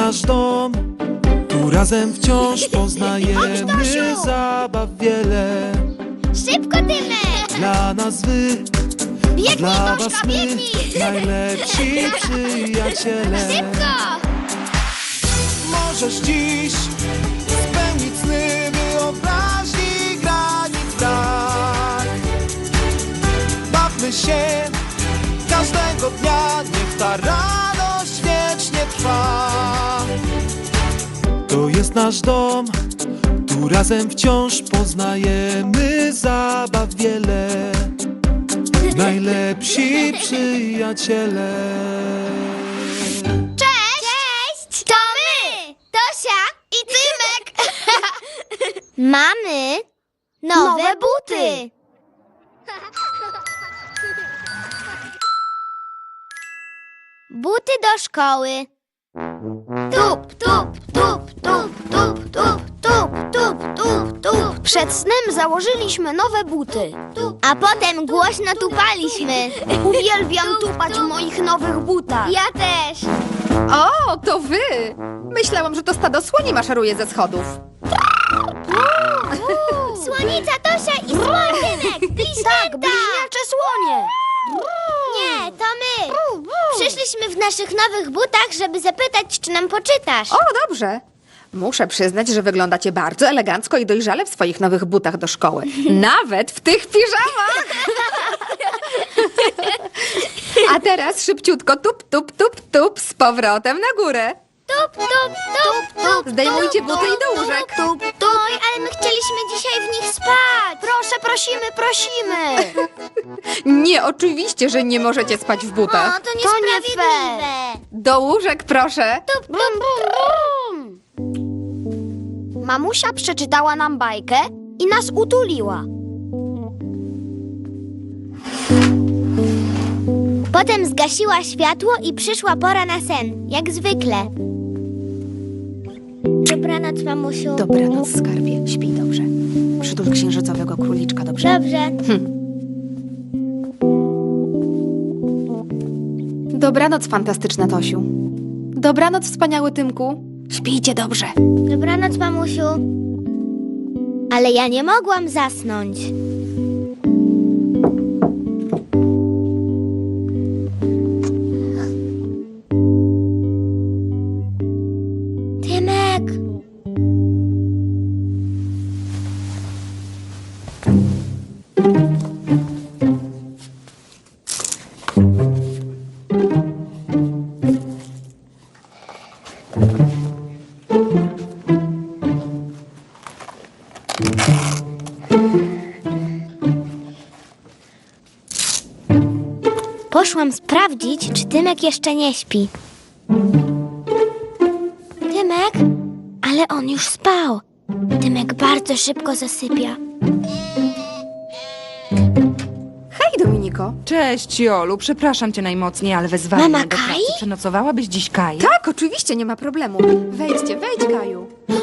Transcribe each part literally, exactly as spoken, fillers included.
nasz dom, tu razem wciąż poznajemy zabaw wiele. Szybko, Tymek! Dla nas wy, Biegnij, dla Gorzka, was my, biegnij! najlepsi przyjaciele. Szybko! Możesz dziś spełnić sny wyobraźni granic brak. Bawmy się każdego dnia, niech ta radość wiecznie trwa. To jest nasz dom, tu razem wciąż poznajemy zabaw wiele. Najlepsi przyjaciele. Cześć! To my! Tosia i Tymek! Mamy nowe, Nowe buty! Buty do szkoły. Tup, tup, tup, tup, tup, tup, tup, tup, tup, tup. Przed snem założyliśmy nowe buty. A potem głośno tupaliśmy. Uwielbiam tupać w moich nowych butach. Ja też. O, to wy! Myślałam, że to stado słoni maszeruje ze schodów. Słonica Tosia i słoń Tymek. Tak, Bliźnięta. bliźniacze słonie. Nie, to my. Przyszliśmy w naszych nowych butach, żeby zapytać, czy nam poczytasz. O, dobrze. Muszę przyznać, że wyglądacie bardzo elegancko i dojrzale w swoich nowych butach do szkoły. Nawet w tych piżamach! A teraz szybciutko tup, tup, tup, tup z powrotem na górę. Tup, tup, tup, tup. Zdejmujcie tup, buty i tup, do tup, łóżek. Tup, tup. Oj, ale my chcieliśmy dzisiaj w nich spać. Proszę, prosimy, prosimy. Nie, oczywiście, że nie możecie spać w O, butach. to nie niesprawiedliwe. Do łóżek, proszę. Tup, tup, tup, tup. Mamusia przeczytała nam bajkę i nas utuliła. Potem zgasiła światło i przyszła pora na sen, jak zwykle. Dobranoc, mamusiu. Dobranoc, skarbie. Śpij dobrze. Przytul księżycowego króliczka, dobrze? Dobrze. Dobranoc, fantastyczna Tosiu. Dobranoc, wspaniały Tymku. Śpijcie dobrze. Dobranoc, mamusiu. Ale ja nie mogłam zasnąć. Tymek. Poszłam sprawdzić, czy Tymek jeszcze nie śpi. Tymek? Ale on już spał. Tymek bardzo szybko zasypia. Hej, Dominiko. Cześć, Jolu. Przepraszam cię najmocniej, ale wezwali Mama mnie do Kai? pracy. Przenocowałabyś dziś Kai? Tak, oczywiście, nie ma problemu. Wejdźcie, wejdź, Kaju.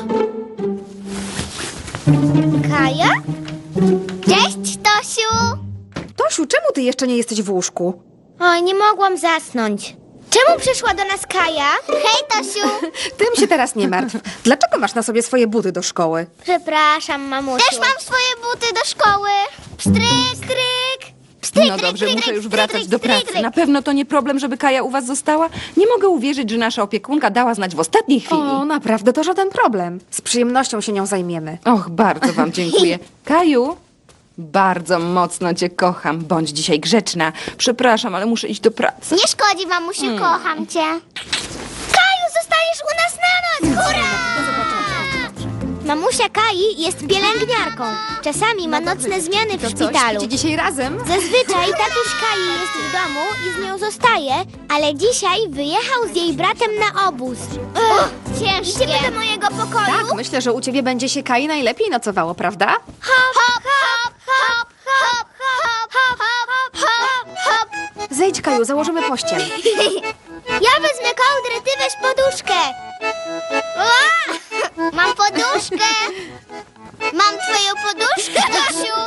Kaja? Cześć, Tosiu! Tosiu, czemu ty jeszcze nie jesteś w łóżku? Oj, nie mogłam zasnąć. Czemu przyszła do nas Kaja? Hej, Tosiu! Tym się teraz nie martw. Dlaczego masz na sobie swoje buty do szkoły? Przepraszam, mamusiu. Też mam swoje buty do szkoły. Pstryk, stryk. Pstryk, No tryk, dobrze, tryk, muszę tryk, już tryk, wracać tryk, do tryk, pracy. tryk. Na pewno to nie problem, żeby Kaja u was została. Nie mogę uwierzyć, że nasza opiekunka dała znać w ostatniej chwili. O, naprawdę, to żaden problem. Z przyjemnością się nią zajmiemy. Och, bardzo wam dziękuję. Kaju, bardzo mocno cię kocham. Bądź dzisiaj grzeczna. Przepraszam, ale muszę iść do pracy. Nie szkodzi, mamusiu, kocham cię. Kaju, zostajesz u nas na noc! Hurra! Mamusia Kai jest pielęgniarką. Czasami ma nocne zmiany w To co, szpitalu. śpicie dzisiaj razem? Zazwyczaj tatuś Kai jest w domu i z nią zostaje, ale dzisiaj wyjechał z jej bratem na obóz. Uch, ciężkie. Idziemy do mojego pokoju? Tak, myślę, że u ciebie będzie się Kai najlepiej nocowało, prawda? Hop, hop, hop, hop, hop, hop, hop, hop, hop, hop. Zejdź, Kaju, założymy pościel. Ja wezmę kołdrę, ty weź poduszkę. Ua! Mam poduszkę. Mam twoją poduszkę, Tosiu.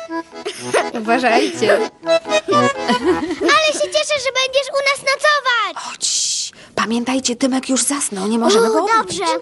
Uważajcie. Ale się cieszę, że będziesz u nas nocować. Pamiętajcie, Tymek już zasnął, nie możemy go U, obudzić. dobrze.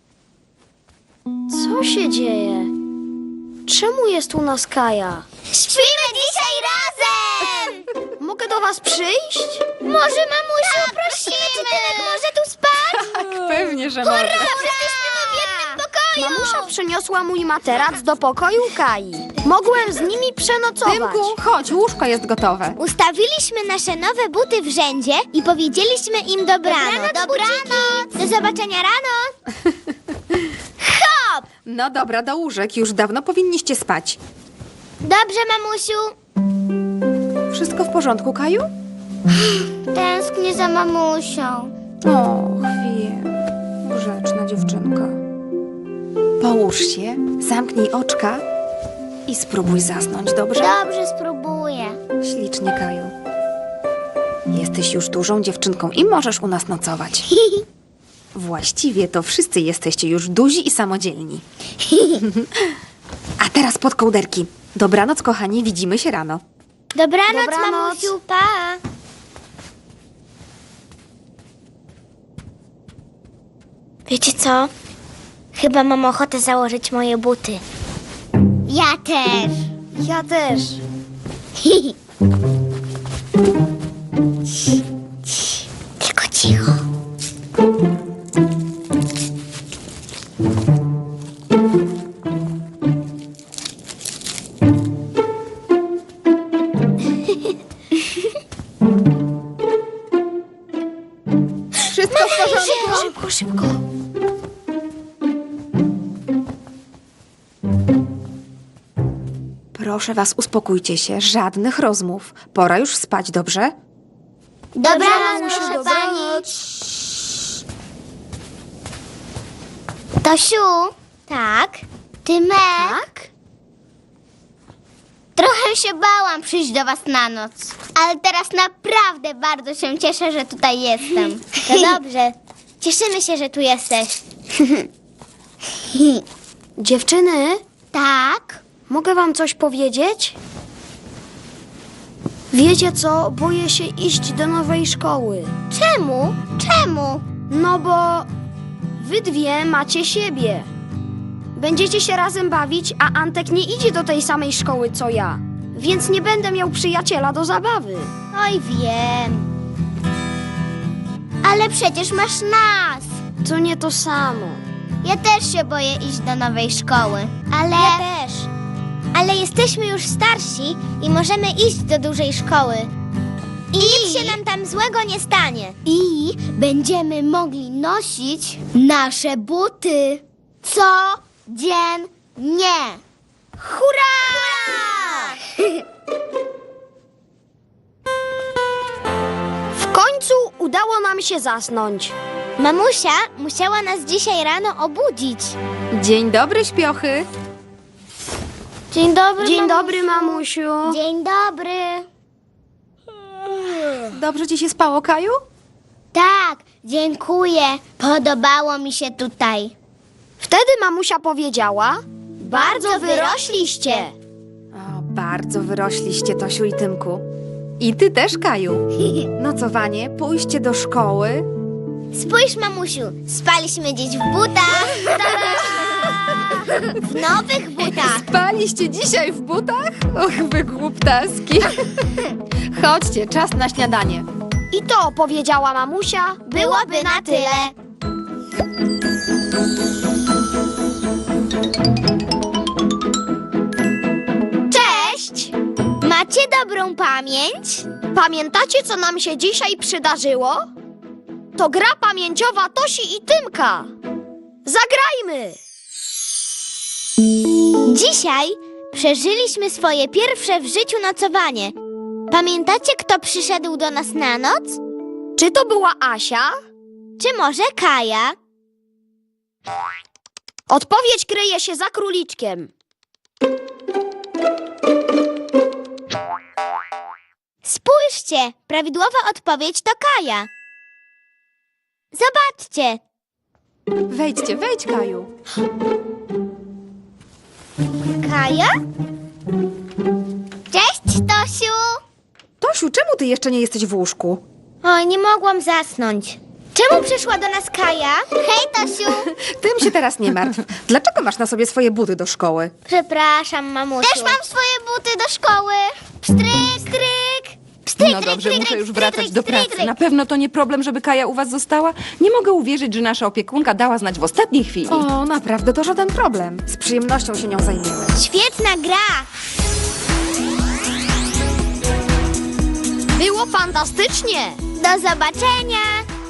Co się dzieje? Czemu jest u nas Kaja? Śpimy dzisiaj razem! Mogę do was przyjść? Może, mamusiu, prosimy. Czy Tymek może tu spać? Tak, pewnie, że może. Dobrze, śpimy w jednym pokoju. Mamusia przyniosła mój materac do pokoju Kai. Mogłem z nimi przenocować. Tymku, chodź, łóżko jest gotowe. Ustawiliśmy nasze nowe buty w rzędzie i powiedzieliśmy im dobranoc. Dobranoc. Do zobaczenia rano. Hop! No dobra, do łóżek, już dawno powinniście spać. Dobrze, mamusiu. Wszystko w porządku, Kaju? Tęsknię za mamusią. O, chwilę. Grzeczna dziewczynka. Połóż się, zamknij oczka i spróbuj zasnąć, dobrze? Dobrze, spróbuję. Ślicznie, Kaju. Jesteś już dużą dziewczynką i możesz u nas nocować. Właściwie to wszyscy jesteście już duzi i samodzielni. A teraz pod kołderki. Dobranoc, kochani, widzimy się rano. Dobranoc, Dobranoc. mamusiu, pa. Wiecie co? Chyba mam ochotę założyć moje buty. Ja też. Ja też. Tylko cicho. Wszystko w porządku? Szybko, szybko. Proszę was, uspokójcie się. Żadnych rozmów. Pora już spać, dobrze? Dobranoc, mamusiu, proszę dobranoc. pani. Tosiu. Tak? Tymek? Tak? Trochę się bałam przyjść do was na noc, ale teraz naprawdę bardzo się cieszę, że tutaj jestem. To dobrze. Cieszymy się, że tu jesteś. Dziewczyny, Tak? mogę wam coś powiedzieć? Wiecie co? Boję się iść do nowej szkoły. Czemu? Czemu? No bo wy dwie macie siebie. Będziecie się razem bawić, a Antek nie idzie do tej samej szkoły co ja. Więc nie będę miał przyjaciela do zabawy. Oj, wiem. Ale przecież masz nas. To nie to samo. Ja też się boję iść do nowej szkoły. Ale... Ja też. Ale jesteśmy już starsi i możemy iść do dużej szkoły. I, nic się nam tam złego nie stanie. I będziemy mogli nosić nasze buty. Codziennie. Hurra! W końcu udało nam się zasnąć. Mamusia musiała nas dzisiaj rano obudzić. Dzień dobry, śpiochy. Dzień dobry, Dzień dobry, mamusiu. Dzień dobry. Dobrze ci się spało, Kaju? Tak, dziękuję. Podobało mi się tutaj. Wtedy mamusia powiedziała: Bardzo wyrośliście. O, bardzo wyrośliście, Tosiu i Tymku. I ty też, Kaju. Nocowanie, pójście do szkoły. Spójrz, mamusiu, spaliśmy dziś w butach. W nowych butach. Spaliście dzisiaj w butach? Och, wy głuptaski. Chodźcie, czas na śniadanie. I to powiedziała mamusia. Byłoby na tyle. Cześć! Macie dobrą pamięć? Pamiętacie, co nam się dzisiaj przydarzyło? To gra pamięciowa Tosi i Tymka. Zagrajmy! Dzisiaj przeżyliśmy swoje pierwsze w życiu nocowanie. Pamiętacie, kto przyszedł do nas na noc? Czy to była Asia? Czy może Kaja? Odpowiedź kryje się za króliczkiem. Spójrzcie, prawidłowa odpowiedź to Kaja. Zobaczcie. Wejdźcie, wejdź, Kaju. Kaja? Cześć, Tosiu. Tosiu, czemu ty jeszcze nie jesteś w łóżku? Oj, nie mogłam zasnąć. Czemu przyszła do nas Kaja? Hej, Tosiu! Tym się teraz nie martw. Dlaczego masz na sobie swoje buty do szkoły? Przepraszam, mamusiu. Też mam swoje buty do szkoły. Pstryk, stryk. Pstryk, No dobrze, tryk, muszę tryk, już tryk, wracać tryk, do tryk, pracy. tryk. Na pewno to nie problem, żeby Kaja u was została? Nie mogę uwierzyć, że nasza opiekunka dała znać w ostatniej chwili. O, naprawdę, to żaden problem. Z przyjemnością się nią zajmiemy. Świetna gra. Było fantastycznie! Do zobaczenia.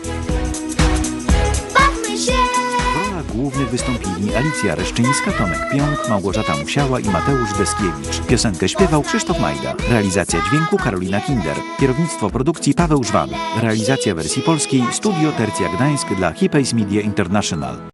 Bawmy się. W rolach głównych wystąpili Alicja Reszczyńska, Tomek Pionk, Małgorzata Musiała i Mateusz Deskiewicz. Piosenkę śpiewał Krzysztof Majda. Realizacja dźwięku Karolina Kinder. Kierownictwo produkcji Paweł Żwan. Realizacja wersji polskiej Studio Tercja Gdańsk dla Hipays Media International.